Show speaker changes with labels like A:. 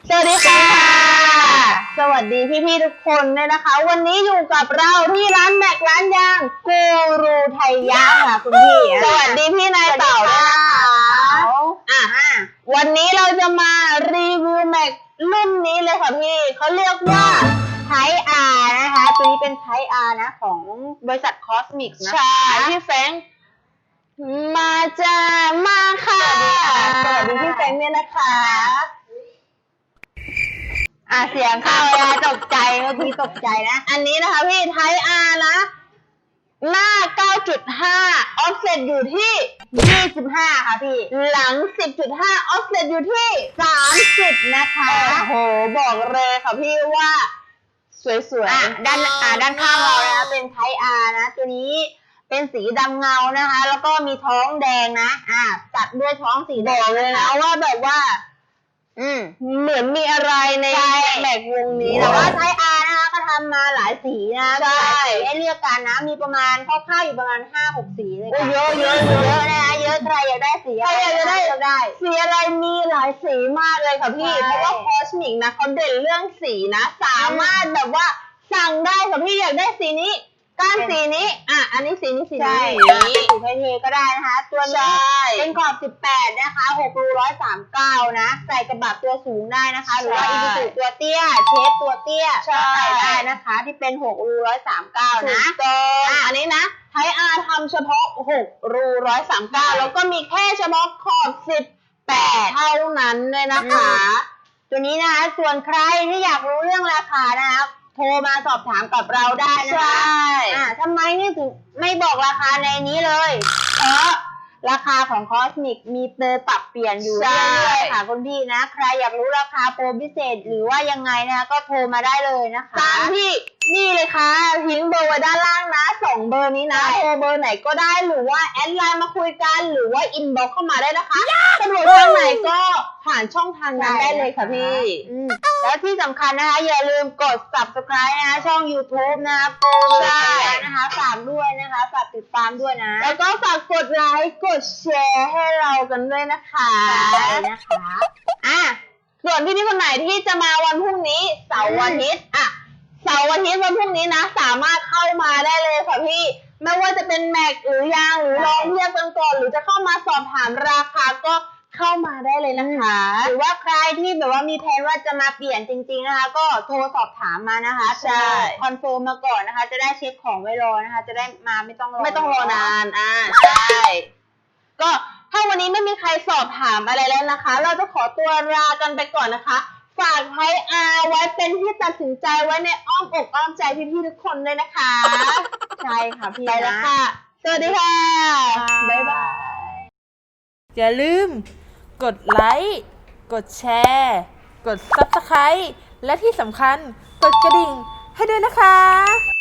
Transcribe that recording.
A: สวัสดีค่ะสวัสดีพี่ๆทุกคนเลยนะคะวันนี้อยู่กับเราที่ร้านแม็กร้านยางกูรูไทยะค่ะคุณพี่สวัสดีพี่นายเต่าด้วยนะคะวันนี้เราจะมารีวิวแม็กรุ่นนี้เลยค่ะพี่เขาเรียกว่าไทอาร์นะคะตัวนี้เป็นไทอาร์นะของบริษัทคอสมิกนะพี่แฟรงค์มาจ้ามาค่ะสวัสดีพี่แฟรงค์เนี่ยนะคะเสียงเข้าแล้วตกใจเมื่อกี้ตกใจนะอันนี้นะคะพี่ไทอาร์นะหน้า 9.5 ออฟเซ็ตอยู่ที่ 25 ค่ะพี่หลัง 10.5 ออฟเซ็ตอยู่ที่ 30 นะคะโอ้โหบอกเลยค่ะพี่ว่าสวยๆด้านข้างเรานะเป็นไทอาร์นะตัวนี้เป็นสีดำเงานะคะแล้วก็มีท้องแดงนะตัดด้วยท้องสีแดงเลยนะว่าแบบว่าเหมือนมีอะไรในแม็กวงนี้แต่ว่าไทอาร์นะคะก็ทำมาหลายสีนะใช่ให้เลือกกันนะมีประมาณคร่าวๆอยู่ประมาณ 5-6 สีเลยค่ะเยอะนะคะเยอะใครอยากได้สีอะไรอยากได้สีอะไรมีหลายสีมากเลยค่ะพี่เพราะว่าคอสมิกนะเขาเด่นเรื่องสีนะสามารถแบบว่าสั่งได้ค่ะพี่อยากได้สีนี้ก้านสีนี้อันนี้สีนี้สีเทก็ได้นะคะตัวนี้เป็นขอบ18นะคะ6 รู 139นะใส่กระบะตัวสูงได้นะคะหรือว่าอีซูซูตัวเตี้ยเชฟตัวเตี้ยก็ใส่ได้นะคะที่เป็น6 รู 139นะอันนี้นะไทอาร์ทำเฉพาะ6 รู 139แล้วก็มีแค่เฉพาะขอบ18เท่านั้นเลยนะคะตัวนี้นะคะส่วนใครที่อยากรู้เรื่องราคานะคะโทรมาสอบถามกับเราได้นะคะทำไมนี่ถึงไม่บอกราคาในนี้เลยเพราะราคาของคอสมิกมีโปรปรับเปลี่ยนอยู่เรื่อยๆค่ะคุณพี่นะใครอยากรู้ราคาโปรพิเศษหรือว่ายังไงนะคะก็โทรมาได้เลยนะคะตามที่นี่เลยค่ะทิ้งเบอร์ไว้ด้านล่างนะ2 เบอร์นี้นะโทรเบอร์ไหนก็ได้หรือว่าแอดไลน์มาคุยกันหรือว่าอินบ็อกซ์เข้ามาได้นะคะสะดวกทางไหนก็ผ่านช่องทางนั้นได้เลยค่ะพี่แล้วที่สำคัญนะคะอย่าลืมกด subscribe นะคะช่อง YouTube นะคะโปรนะคะฝากด้วยนะคะฝากติดตามด้วยนะแล้วก็ฝากกดไลค์กดแชร์ให้เรากันด้วยนะคะส่วนพี่คนไหนที่จะมาวันพรุ่งนี้เสาร์อาทิตย์วันพรุ่งนี้นะสามารถเข้ามาได้เลยค่ะพี่ไม่ว่าจะเป็นแม็กหรือยางหรือลองเทียบกันก่อนหรือจะเข้ามาสอบถามราคาก็เข้ามาได้เลยนะคะหรือว่าใครที่แบบว่ามีแผนว่าจะมาเปลี่ยนจริงๆนะคะก็โทรสอบถามมานะคะใช่คอนเฟิร์มมาก่อนนะคะจะได้เช็คของไว้รอนะคะจะได้มาไม่ต้องรอนานใช่ก็ถ้าวันนี้ไม่มีใครสอบถามอะไรแล้วนะคะเราจะขอตัวลากันไปก่อนนะคะฝากไทอาร์ไว้เป็นที่ตัดสินใจไว้ในอ้อมอกอ้อมใจพี่ๆทุกคนเลยนะคะใช่ค่ะพี่ไปแล้วค่ะสวัสดีค่ะบ๊ายบาย
B: อย่าลืมกดไลค์กดแชร์กด Subscribe และที่สำคัญกดกระดิ่งให้ด้วยนะคะ